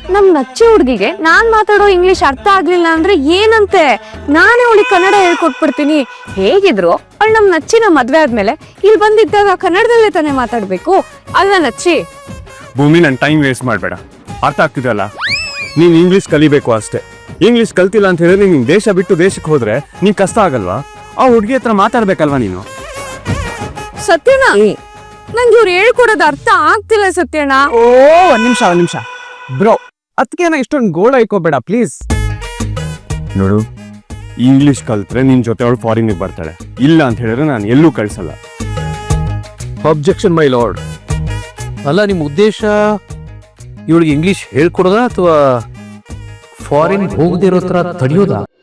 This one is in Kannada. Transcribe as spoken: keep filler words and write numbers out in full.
ನಮ್ ನಚ್ಚಿ ಹುಡ್ಗಿಗೆ ನಾನ್ ಮಾತಾಡೋ ಇಂಗ್ಲಿಷ್ ಅರ್ಥ ಆಗ್ಲಿಲ್ಲ ಅಂದ್ರೆ ಏನಂತೆ, ನಾನೇ ಅವಳಿಗೆ ಕನ್ನಡ ಹೇಳ್ಕೊಟ್ಬಿಡ್ತೀನಿ. ಹೇಗಿದ್ರು ಅವಳು ನಮ್ ನಚ್ಚಿನ ಮದ್ವೆ ಆದ್ಮೇಲೆ ಇಲ್ಲಿ ಬಂದಿದ್ದಾಗ ಕನ್ನಡದಲ್ಲೇ ತಾನೇ ಮಾತಾಡ್ಬೇಕು ಅಲ್ಲ ನಚ್ಚಿ? ಭೂಮಿ, ನನ್ ಟೈಮ್ ವೇಸ್ಟ್ ಮಾಡ್ಬೇಡ. ಅರ್ಥ ಆಗ್ತಿದಲ್ಲ, ನೀನ್ ಇಂಗ್ಲಿಷ್ ಕಲಿಬೇಕು ಅಷ್ಟೇ. ಇಂಗ್ಲಿಷ್ ಕಲ್ತಿಲ್ಲ ಅಂತ ಹೇಳಿದ್ರೆ ನೀನ್ ದೇಶ ಬಿಟ್ಟು ದೇಶಕ್ಕೆ ಹೋದ್ರೆ ನೀನ್ ಕಷ್ಟ ಆಗಲ್ವಾ? ಆ ಹುಡ್ಗಿ ಹತ್ರ ಮಾತಾಡ್ಬೇಕಲ್ವಾ ನೀನು? ಸತ್ಯಣ್ಣ, ನಂಗೆ ಇವ್ರು ಹೇಳ್ಕೊಡೋದು ಅರ್ಥ ಆಗ್ತಿಲ್ಲ ಸತ್ಯಣ್ಣ. ಓ ಒಂದ್ ನಿಮಿಷ ಒಂದ್ ನಿಮಿಷ ಬ್ರೋ, ಅದಕ್ಕೇನ ಇಷ್ಟೊಂದು ಗೋಳ ಇಕ್ಕೋಬೇಡ ಪ್ಲೀಸ್. ನೋಡು, ಇಂಗ್ಲಿಷ್ ಕಲ್ತ್ರೆ ನಿನ್ ಜೊತೆ ಅವಳು ಫಾರಿನ್ಗೆ ಬರ್ತಾಳೆ, ಇಲ್ಲ ಅಂತ ಹೇಳಿದ್ರೆ ನಾನು ಎಲ್ಲೂ ಕಳ್ಸಲ್ಲ. Objection my lord. ಅಲ್ಲ, ನಿಮ್ಮ ಉದ್ದೇಶ ಇವಳಿಗೆ ಇಂಗ್ಲಿಷ್ ಹೇಳ್ಕೊಡೋದಾ ಅಥವಾ ಫಾರಿನ್ ಹೋಗದಿರೋ ತರ ತಡೆಯೋದಾ?